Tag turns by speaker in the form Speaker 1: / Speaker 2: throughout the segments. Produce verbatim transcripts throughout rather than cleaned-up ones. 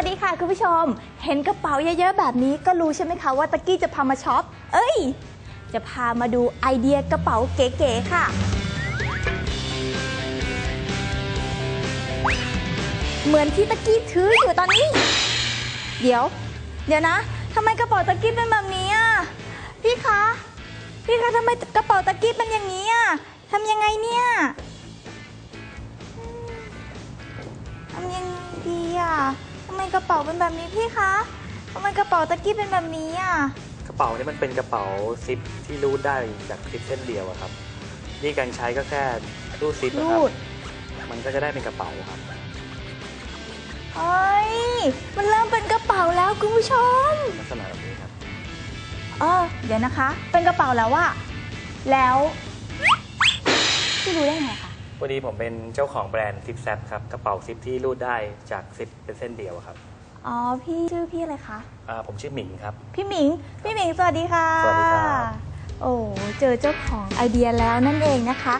Speaker 1: วัสดีค่ะคุณผู้ชมเห็นกระเป๋าเยอะๆแบบนี้ก็รู้ใช่ไหมคะว่าตะกี้จะพามาช็อปเอ้ยจะพามาดูไอเดียกระเป๋าเก๋ๆค่ะเหมือนที่ตะกี้ถืออยู่ตอนนี้เดี๋ยวเดี๋ยวนะทำไมกระเป๋าตะกี้เป็นแบบนี้อ่ะพี่คะพี่คะทำไมกระเป๋าตะกี้เป็นอย่างนี้อ่ะทำยังไงเนี่ยทำยังไงดีอ่ะทำไมกระเป๋าเป็นแบบนี้พี่คะทำไมกระเป๋าตะกี้เป็นแบบนี้อ่ะ
Speaker 2: กระเป๋านี่มันเป็นกระเป๋าซิปที่รูดได้จากซิปเส้นเดียวครับนี่การใช้ก็แค่รูดซิปนะครับมันก็จะได้เป็นกระเป๋าครับ
Speaker 1: เฮ้ยมันเริ่มเป็นกระเป๋าแล้วคุณผู้ชม
Speaker 2: ลักษณะแบบนี้ครับ
Speaker 1: เออเดี๋ยวนะคะเป็นกระเป๋าแล้วว่าแล้วพี่รู้ได้ไงคะ
Speaker 2: พอดีผมเป็นเจ้าของแบรนด์ซิปแซปครับกระเป๋าซิปที่รูดได้จากซิปเป็นเส้นเดียวครับ
Speaker 1: อ๋อพี่ชื่อพี่อะไรคะ
Speaker 2: อ่าผมชื่อหมิงครับ
Speaker 1: พี่หมิงพี่หมิงสวัสดีค่ะ
Speaker 2: สวัสดีครับ
Speaker 1: โอ้เจอเจ้าของไอเดียแล้วนั่นเองนะคะ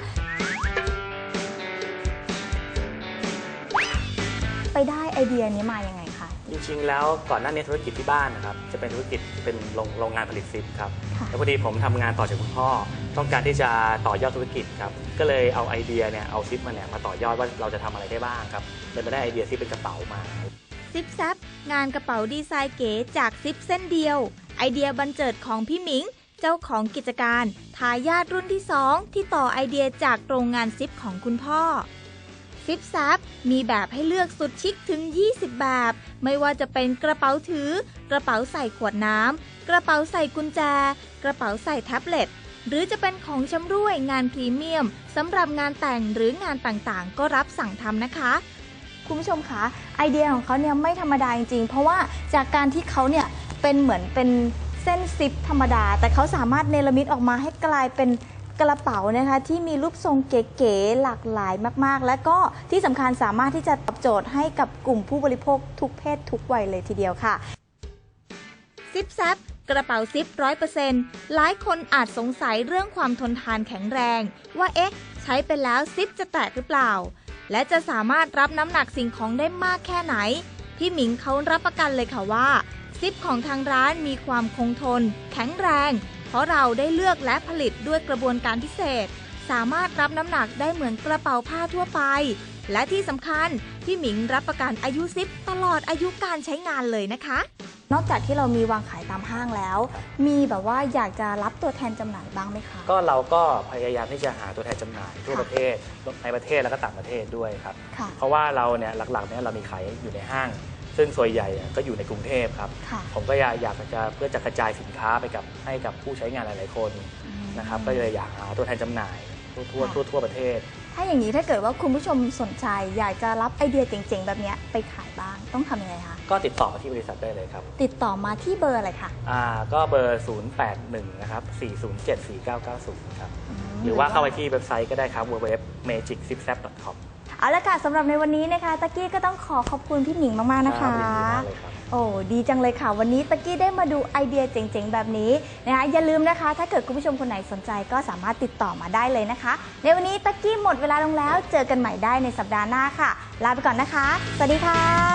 Speaker 1: ไปได้ไอเดียนี้มายังไงคะ
Speaker 2: จริงๆแล้วก่อนหน้านี้ธุรกิจที่บ้านนะครับจะเป็นธุรกิจเป็นโรงโรงงานผลิตซิปครับแล้วพอดีผมทำงานต่อจากคุณพ่อต้องการที่จะต่อยอดธุรกิจครับก็เลยเอาไอเดียเนี่ยเอาซิปมาเนี่ยมาต่อยอดว่าเราจะทำอะไรได้บ้างครับเลยมาได้ไอเดียซิปเป็นกระเป๋ามา
Speaker 1: ซิปแซปงานกระเป๋าดีไซน์เก๋จากซิปเส้นเดียวไอเดียบันเจิดของพี่หมิงเจ้าของกิจการทายาทรุ่นที่สองที่ต่อไอเดียจากโรงงานซิปของคุณพ่อซิปแซปมีแบบให้เลือกสุดชิคถึงยี่สิบแบบไม่ว่าจะเป็นกระเป๋าถือกระเป๋าใส่ขวดน้ำกระเป๋าใส่กุญแจกระเป๋าใส่แท็บเล็ตหรือจะเป็นของชำร่วยงานพรีเมียมสำหรับงานแต่งหรืองานต่างๆก็รับสั่งทำนะคะคุณผู้ชมคะไอเดียของเขาเนี่ยไม่ธรรมดาจริงๆเพราะว่าจากการที่เขาเนี่ยเป็นเหมือนเป็นเส้นซิปธรรมดาแต่เขาสามารถเนรมิตออกมาให้กลายเป็นกระเป๋านะคะที่มีรูปทรงเก๋ๆหลากหลายมากๆและก็ที่สำคัญสามารถที่จะตอบโจทย์ให้กับกลุ่มผู้บริโภคทุกเพศทุกวัยเลยทีเดียวค่ะซิปแซปกระเป๋าซิป ร้อยเปอร์เซ็นต์ หลายคนอาจสงสัยเรื่องความทนทานแข็งแรงว่าเอ๊ะใช้ไปแล้วซิปจะแตกหรือเปล่าและจะสามารถรับน้ำหนักสิ่งของได้มากแค่ไหนพี่หมิงเขารับประกันเลยค่ะว่าซิปของทางร้านมีความคงทนแข็งแรงเพราะเราได้เลือกและผลิตด้วยกระบวนการพิเศษสามารถรับน้ำหนักได้เหมือนกระเป๋าผ้าทั่วไปและที่สำคัญพี่หมิงรับประกันอายุซิปตลอดอายุการใช้งานเลยนะคะนอกจากที่เรามีวางขายตามห้างแล้วมีแบบว่าอยากจะรับตัวแทนจำหน่ายบ้างไหมคะ
Speaker 2: ก็เราก็พยายามที่จะหาตัวแทนจำหน่ายทั่วประเทศในประเทศแล้วก็ต่างประเทศด้วยครับเพราะว่าเราเนี่ยหลักๆเนี่ยเรามีขายอยู่ในห้างซึ่งส่วนใหญ่ก็อยู่ในกรุงเทพครับผมก็อยากอยากจะเพื่อจะกระจายสินค้าไปกับให้กับผู้ใช้งานหลายๆคนนะครับก็เลยอยากหาตัวแทนจำหน่ายทั่วทั่วทั่วประเทศ
Speaker 1: ถ้าอย่างนี้ถ้าเกิดว่าคุณผู้ชมสนใจอยากจะรับไอเดียเจ๋งๆแบบนี้ไปขายบ้างต้องทำยังไงคะ
Speaker 2: ก็ติดต่อมาที่บริษัทได้เลยครับ
Speaker 1: ติดต่อมาที่เบอร์อะไรคะ
Speaker 2: อ่าก็เบอร์ศูนย์ แปด หนึ่งนะครับสี่ ศูนย์ เจ็ด สี่ เก้า เก้า ศูนย์ครับหรือว่าเข้าไปที่เว็บไซต์ก็ได้ครับ ดับเบิลยู ดับเบิลยู ดับเบิลยู ดอท เมจิก ซิปแซป ดอท คอม
Speaker 1: เอาละค่ะสำหรับในวันนี้นะคะตะกี้ก็ต้องขอขอบคุณพี่หมิงมากๆนะคะโอ้ดีจังเลยค่ะวันนี้ตะกี้ได้มาดูไอเดียเจ๋งๆแบบนี้นะคะอย่าลืมนะคะถ้าเกิดคุณผู้ชมคนไหนสนใจก็สามารถติดต่อมาได้เลยนะคะในวันนี้ตะกี้หมดเวลาลงแล้วเจอกันใหม่ได้ในสัปดาห์หน้าค่ะลาไปก่อนนะคะสวัสดีค่ะ